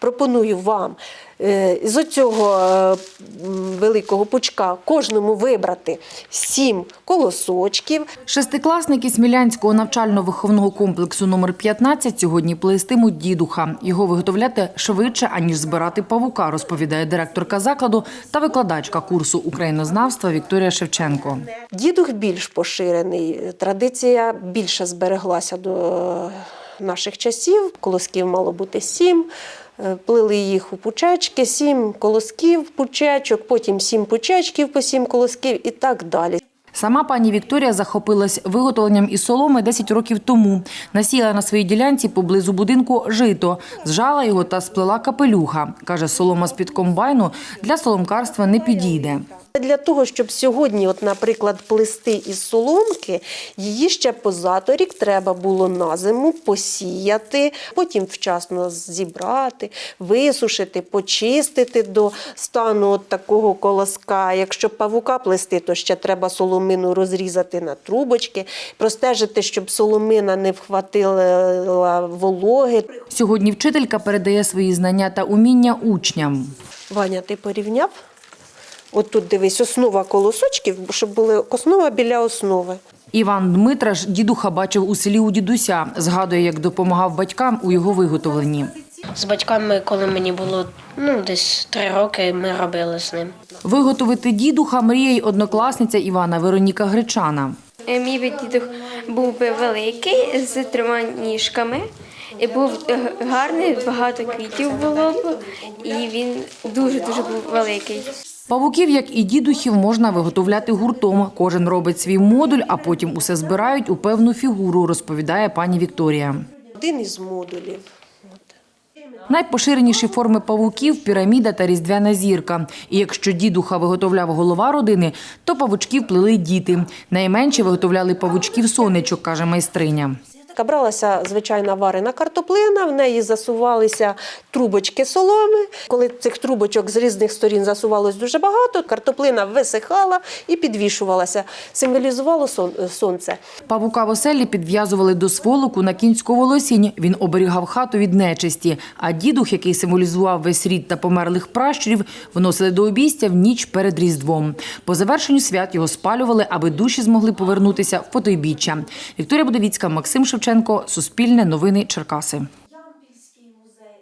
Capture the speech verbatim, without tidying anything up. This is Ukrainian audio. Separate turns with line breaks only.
пропоную вам з цього великого пучка кожному вибрати сім колосочків.
Шестикласники Смілянського навчально-виховного комплексу номер п'ятнадцять сьогодні плестимуть дідуха. Його виготовляти швидше, аніж збирати павука, розповідає директорка закладу та викладачка курсу українознавства Вікторія Шевченко.
Дідух більш поширений, традиція більше збереглася до наших часів. Колосків мало бути сім. Плели їх у пучечки, сім колосків, пучечок, потім сім пучечків по сім колосків і так далі.
Сама пані Вікторія захопилась виготовленням із соломи десять років тому. Насіяла на своїй ділянці поблизу будинку жито, зжала його та сплела капелюха. Каже, солома з-під комбайну для соломкарства не підійде.
Для того, щоб сьогодні, от, наприклад, плести із соломки, її ще позаторік треба було на зиму посіяти, потім вчасно зібрати, висушити, почистити до стану от такого колоска. Якщо павука плести, то ще треба соломину розрізати на трубочки, простежити, щоб соломина не вхватила вологи.
Сьогодні вчителька передає свої знання та уміння учням.
Ваня, ти порівняв? От тут, дивись, основа колосочків, щоб була основа біля основи.
Іван Дмитраш дідуха бачив у селі у дідуся. Згадує, як допомагав батькам у його виготовленні.
З батьками, коли мені було ну, десь три роки, ми робили з ним.
Виготовити дідуха мріє й однокласниця Івана Вероніка Гречана.
Мій дідух був би великий, з трьома ніжками. І був гарний, багато квітів було б, і він дуже-дуже був великий.
Павуків, як і дідухів, можна виготовляти гуртом. Кожен робить свій модуль, а потім усе збирають у певну фігуру, розповідає пані Вікторія.
Один із модулів.
Найпоширеніші форми павуків – піраміда та різдвяна зірка. І якщо дідуха виготовляв голова родини, то павучків плели діти. Найменші виготовляли павучків-сонечок, каже майстриня.
Бралася звичайна варена картоплина, в неї засувалися трубочки соломи. Коли цих трубочок з різних сторін засувалось дуже багато, картоплина висихала і підвішувалася, символізувало сонце.
Павука в оселі підв'язували до сволоку на кінську волосінь. Він оберігав хату від нечисті. А дідух, який символізував весь рід та померлих пращурів, вносили до обійстя в ніч перед Різдвом. По завершенню свят його спалювали, аби душі змогли повернутися в потойбіччя. Вікторія Будовіцька, Максим Шевченко, Суспільне, Новини, Черкаси.